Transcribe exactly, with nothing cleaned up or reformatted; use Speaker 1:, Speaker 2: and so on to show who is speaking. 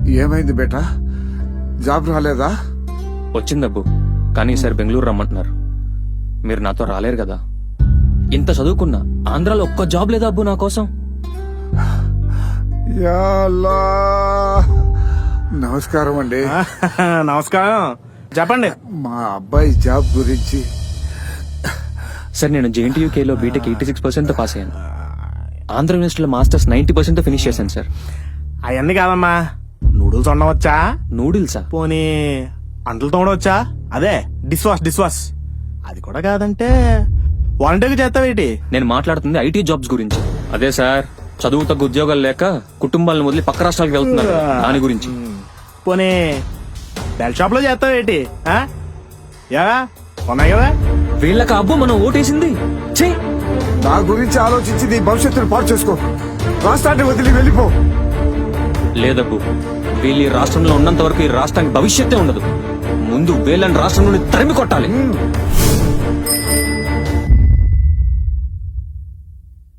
Speaker 1: ఏమైంది బేటా, జాబ్ రాలేదా?
Speaker 2: వచ్చిందబ్బు, కానీ ఈసారి బెంగళూరు రమ్మంటున్నారు. మీరు నాతో రాలేరు కదా. ఇంత చదువుకున్నా ఆంధ్రాలో ఒక్క జాబ్ లేదా అబ్బు నా కోసం.
Speaker 1: యా అల్లా. నమస్కారం అండి.
Speaker 3: నమస్కారం, చెప్పండి.
Speaker 1: మా అబ్బాయి జాబ్ గురించి.
Speaker 2: సార్, నేను జేఎన్టీయూకేలో బీటెక్ ఎయిటీ సిక్స్ పర్సెంట్ తో పాస్ అయ్యాను. ఆంధ్ర యూనివర్సిటీలో మాస్టర్స్ నైన్టీ పర్సెంట్ తో ఫినిష్ చేశాను సార్.
Speaker 3: అవన్నీ కాదమ్మా, నూడిల్స్ వండవచ్చా?
Speaker 2: నూడిల్సా?
Speaker 3: పోనీ అంటలు తోడవచ్చా? అదే డిష్ వాష్ డిష్ వాష్ అది కూడా కాదంటే వాలంటీర్గా చేస్తావేటి?
Speaker 2: నేను మాట్లాడుతుంది ఐటీ జాబ్స్ గురించి. అదే సార్, చదువు తగ్గ ఉద్యోగాలు లేక కుటుంబాలను వదిలి పక్క రాష్ట్రాలకు వెళ్తున్నారు, దాని గురించి.
Speaker 3: పోనీ బెల్ షాప్ లో చేస్తావేటి? యా ఉన్నాయి కదా.
Speaker 2: వీళ్ళకి అబ్బు మనం ఓటేసింది. ఛీ!
Speaker 1: నా గురించి ఆలోచించి నీ భవిష్యత్తును పాడు చేసుకో. రాష్ట్రాన్ని వదిలి వెళ్ళిపో.
Speaker 2: లేదబ్బు, వీళ్ళు ఈ రాష్ట్రంలో ఉన్నంత వరకు ఈ రాష్ట్రానికి భవిష్యత్తే ఉండదు. ముందు వీళ్ళని రాష్ట్రం నుండి తరిమి కొట్టాలి.